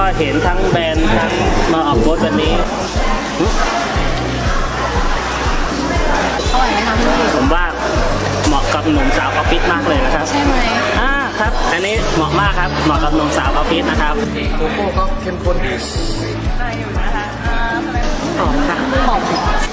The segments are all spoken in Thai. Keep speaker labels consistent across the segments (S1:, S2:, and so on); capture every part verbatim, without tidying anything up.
S1: ก็เห็นทั้งแบรนด์ทั้งมาออกบูธวันนี้
S2: อร่อยไหมคะพี่
S1: ผมว่าเหมาะกับหนุ่มสาวออฟฟิศมากเลยนะครับ
S2: ใช่ไหม
S1: อ่าครับอันนี้เหมาะมากครับเหมาะกับหนุ่มสาวออฟฟิศนะครับ
S3: โกโก้ก็เข้มข้นดี
S2: หอมค่ะหอม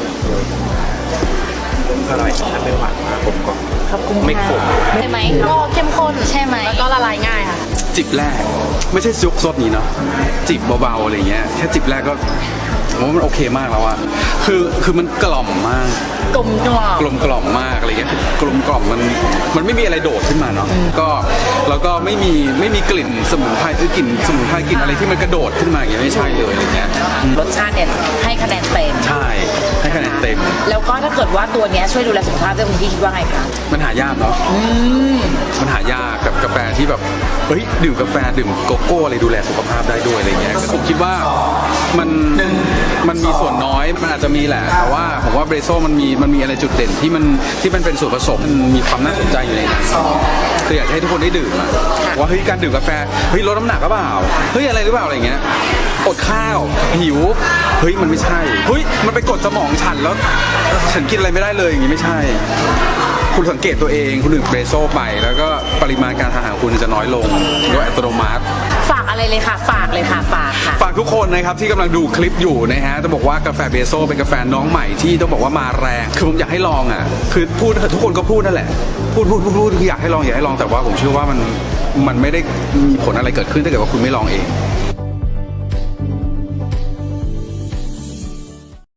S3: อร่อยถ้าไม่หวานมากผมก็ไม่ขม
S2: ใช่ไหมก็เข้มข้นใช่ไหมแล้วก็ละลายง่ายค่ะ
S4: จิบแรกไม่ใช่ซุกซดนี้เนาะจิบเบาๆอะไรเงี้ยแค่จิบแรกก็ผมว่ามันโอเคมากแล้วอะคือคือมันกล่อมมาก
S2: กลมกล่อม
S4: กลมกล่อมมากอะไรเงี้ยกลมกล่อมมันมันไม่มีอะไรโดดขึ้นมาเนาะก็แล้วก็ไม่มีไม่มีกลิ่นสมุนไพรคือกลิ่นสมุนไพรกลิ่นอะไรที่มันกระโดดขึ้นมาอย่างเงี้ยไม่ใช่เลยอะไรเงี้ย
S2: รสชาติเนี่ยให้คะแนนเต็ม
S4: ใช่ให้คะแนนเต็ม
S2: แล้วก็ถ้าเกิดว่าตัวเนี้ยช่วยดูแลสุขภาพด้วยคุณพี่คิดว่าไงคะ
S4: มันหายากเนาะมันหายากกับกาแฟที่แบบเฮ้ยดื่มกาแฟดื่มโกโก้อะไรดูแลสุขภาพได้ด้วยอะไรเงี้ยผมคิดว่ามันมันมีส่วนน้อยมันอาจจะมีแหละแต่ว่าผมว่าเบรโซมันมีมันมีอะไรจุดเด่นที่มันที่มันเป็นส่วนผสมมันมีความน่าสนใจอยู่ในนั้นคืออยากให้ทุกคนได้ดื่มอะว่าเฮ้ยการดื่มกาแฟเฮ้ยลดน้ำหนักหรือเปล่าเฮ้ยอะไรหรือเปล่าอะไรเงี้ยอดข้าวหิวเฮ้ยมันไม่ใช่เฮ้ยมันไปกดสมองฉันแล้วฉันกินอะไรไม่ได้เลยอย่างงี้ไม่ใช่คุณสังเกตตัวเองคุณดื่มเบรโซไปแล้วก็ปริมาณการทานอาหารคุณจะน้อยลงโดยอัตโนมัติ
S2: ฝากอะไรเลยค่ะฝากเลยค่ะฝากค่ะ
S4: ฝากทุกคนนะครับที่กำลังดูคลิปอยู่นะฮะจะบอกว่ากาแฟเบโซเป็นกาแฟน้องใหม่ที่ต้องบอกว่ามาแรงคือผมอยากให้ลองอ่ะคือพูดทุกคนก็พูดนั่นแหละพูดพูดพูดพูดคืออยากให้ลองอยากให้ลองแต่ว่าผมเชื่อว่ามันมันไม่ได้มีผลอะไรเกิดขึ้นถ้าเกิดว่าคุณไม่ลองเอง